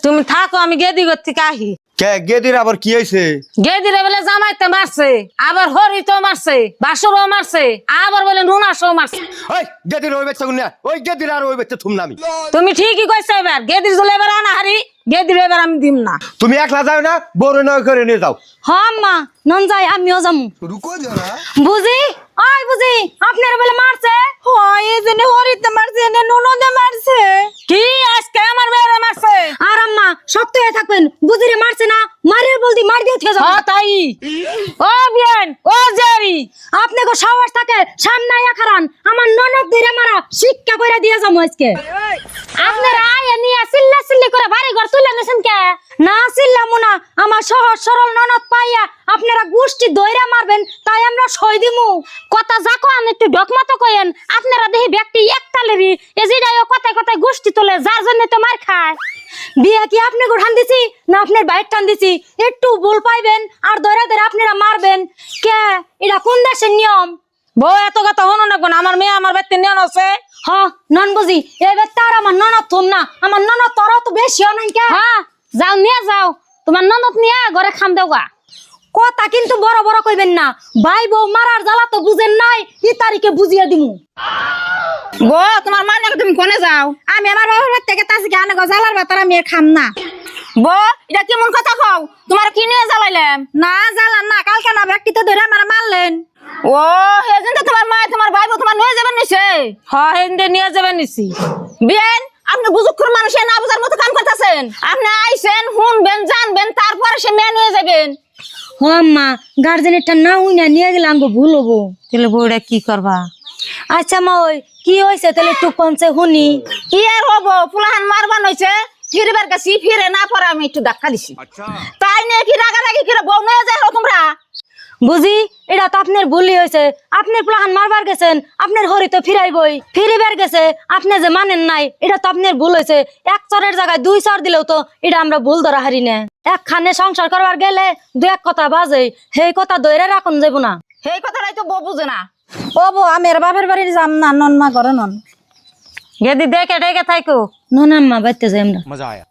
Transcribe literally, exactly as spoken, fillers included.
তুমি থাকো, আমি গেদি করতে কাহি। কে গেদির আবার কি হয়েছে? গেদিরে বলে জামাইতে মারছে, আবার হরিতো মারছে, বাসুরও মারছে, আবার বলে নুনাসও মারছে। ওই গেদির ওই বাচ্চা গুনা, ওই গেদির আর ওই বাচ্চা থুম নামি। তুমি ঠিকই কইছো, এবার গেদির জলে এবার আনা হারি, গেদির এবার আমি দিম না। তুমি একলা যাও না, বড় নয় করে নিয়ে যাও। হ্যাঁ আম্মা, নন যাই, আমিও যামু। রুকো যারা। বুঝি ওই বুঝি আপনারা বলে মারছে? হয় এজনে হরিতে মারছে, এনে ননদে মারছে। কি আজকে আমার মেয়েরে মারছে? আর আম্মা শক্ত হয়ে থাকবেন, বুঝিরে মারছে না, মারের বলদি মার দিয়ে থেকে যাও। হ্যাঁ তাই। ও বিয়ান, ও জেরি, আপনাকে সাহস থাকে সামনে আয়া খারান, আমার ননদ ধরে মারা শিক্ষা করে দিয়ে যাবো আজকে। আপনারা আয়া নিয়ে চিল্লা চিল্লি করে বাড়ি ঘর তুলে নিছেন কে? না চিল্লামু না, আমার সহজ সরল ননদ পাইয়া আপনারা গোষ্ঠী দইরা মারবেন, তাই আমরা সই দিমু। কথা যাকো আমি একটু ডকমত কইেন। আপনারা দেখি ব্যক্তি একতালেরই এজিডাইও কথায় কথায় গোষ্ঠী তোলে, যার জন্য তো মার খায়। বিয়া কি আপনি গোঠান দিছি না আপনার বাইর টান দিছি? একটু ভুল পাইবেন আর দইরা দইরা আপনারা মারবেন কে? এটা কোন দেশের নিয়ম? বউ এত কথা হনো না কোন, আমার মেয়ে আমার বাড়িতে নিয়ে আছে। হ নন বুঝি এবার তার আমার ননদ থম না, আমার ননদ তোরা তো বেশি নাই কে? হ্যাঁ যাও নিয়ে যাও, তোমার ননদ নিয়ে ঘরে খাম দেওয়া। কথা কিন্তু বড় বড় কইবেন না, ভাই বউ মারার জ্বালা তো বুঝেন নাই, ই তারিখে বুঝিয়ে দিমু। বউ তোমার মানে তুমি কোনে যাও? আমি আমার বাবার বাড়ি থেকে তাছি কি আনে জ্বালার ভাত আমি আর খাম না। বউ এটা কেমন কথা কও? তোমার কি নিয়ে জ্বালাইলাম? না জ্বালান না, কালকে না ব্যক্তি তো ধরে আমার মারলেন। ও হেজেন তো তোমার মা তোমার ভাই বউ তোমার নিয়ে যাবেন নিছে? হ্যাঁ হেন্দে নিয়ে যাবেন নিছি। বিয়ান আপনি বুজুক্ষর মানুষ না বুঝার মতো কাম করতেছেন। আপনি আইছেন শুনবেন জানবেন, তারপরে সে মেয়ে নিয়ে যাবেন। হ আম্মা, গার্জেনেরটা না উই না নিয়ে গেলে আমগো ভুল হবো। তাহলে বউটা কি করবা? আচ্ছা মা ওই কি হয়েছে তাহলে একটু কমছে শুনি। কি আর হবো, ফুলাহান মারবান হয়েছে, ফিরবার কাছে ফিরে না পরে আমি একটু ধাক্কা দিছি। তাই নিয়ে কি রাগারাগি করে বউ নিয়ে যায় তোমরা? বুঝি এটা তো আপনার ভুলই হয়েছে, আপনার প্লাহান মারবার গেছেন, আপনার হরি তো ফিরাইবই, ফিরিবার গেছে, আপনি যে মানেন নাই, এটা তো আপনার ভুল হয়েছে। এক চরের জায়গায় দুই চর দিলেও তো এটা আমরা ভুল ধরা হারি না। একখানে সংসার করবার গেলে দু এক কথা বাজে, সেই কথা ধরে রাখুন যাবো না। সেই কথাটাই তো বউ বুঝে না। ও বউ আমি আর বাপের বাড়ির যাম না, নন মা ঘরে নন। গেদি দেখে ডেকে থাকো। নন আম্মা বাইতে যাই আমরা। মজা আয়া।